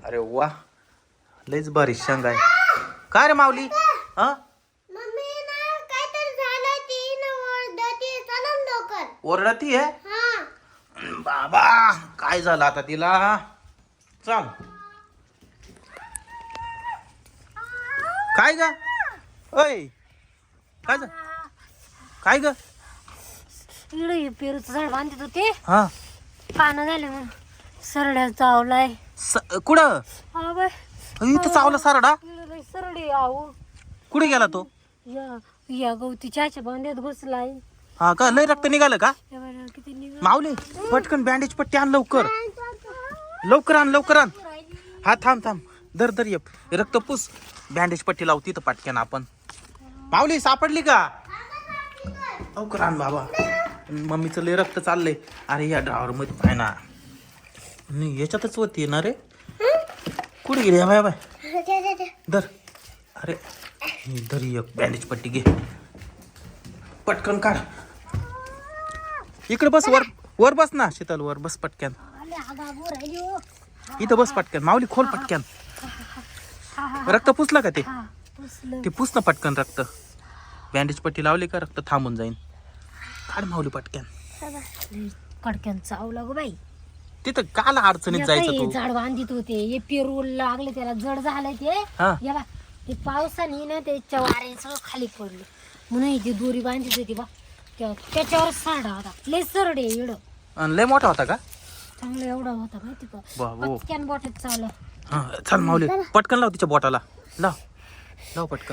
अरे वा लयच भारी शेंग आहे. काय रे माऊली हा ओरडती आहे बाबा. काय झालं आता तिला. चल काय ग ओय काय काय ग. इकडे पेरूचं झाड बांधत होते हा पानं झाले मग सरड्या चावलाय. कुठं इथं चावला सारडा. सरडी आहो कुठे गेला तो. या गवती चहाच्या बांध्यात घुसलाय. हा का लय रक्त निघालं का. किती निघाल. माऊली पटकन बँडेज पट्टी आण लवकर लवकर आण लवकर आण. हा थांब थांब धर धर ये रक्त पुस बँडेज पट्टी लावू तिथं पटकन आपण. माऊली सापडली का लवकर आण बाबा. मम्मीचं लय रक्त चाललंय. अरे या ड्रावर मध्ये पाय ना नाही याच्यातच होती ना रे. कुठे गेली बाय बाय धर. अरे धर एक बँडेज पट्टी घे पटकन काढ. इकडे बस वर वर बस ना शीतल वर बस पटक्यान. इथं बस पटक्यान. माऊली खोल पटक्यान. रक्त पुसलं का ते ते पुस ना पटकन रक्त. बँडेज पट्टी लावली का रक्त थांबून जाईन. काढ माऊली पटक्यान. कडक्यान चावला गो बाई. तिथं काल अडचणीत जायचं तू. झाड बांधित होते हे पेरू लागले त्याला जड झालंय ते. या बा ते पावसाने ना त्याच्या वारे सगळं खाली पडलं म्हणून जी दोरी बांधित होती बा त्याच्यावर साडा होता. लय सरडे एवढं. आणि लय मोठा होता का. चांगला एवढा होता माहिती का. पटक्यान बोटात चावलं. हा चल माऊली पटकन लाव तिच्या बोटाला लाव लाव पटकन.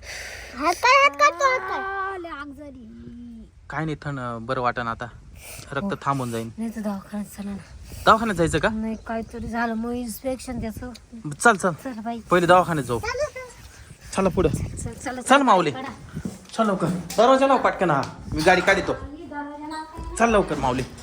आग झाली. काय नाही थंड बरं वाटण आता रक्त थांबून जाईन. नाही तर दवाखान्यात चला ना. दवाखान्यात जायचं का. नाही काहीतरी झालं मग इन्स्पेक्शन त्याचं. चल चल चल बाई पहिले दवाखान्यात जाऊ. चला पुढे चल चल माऊली चल लवकर. दरवाजा लाव पटकन. हा मी गाडी काढतो. चल लवकर माऊली.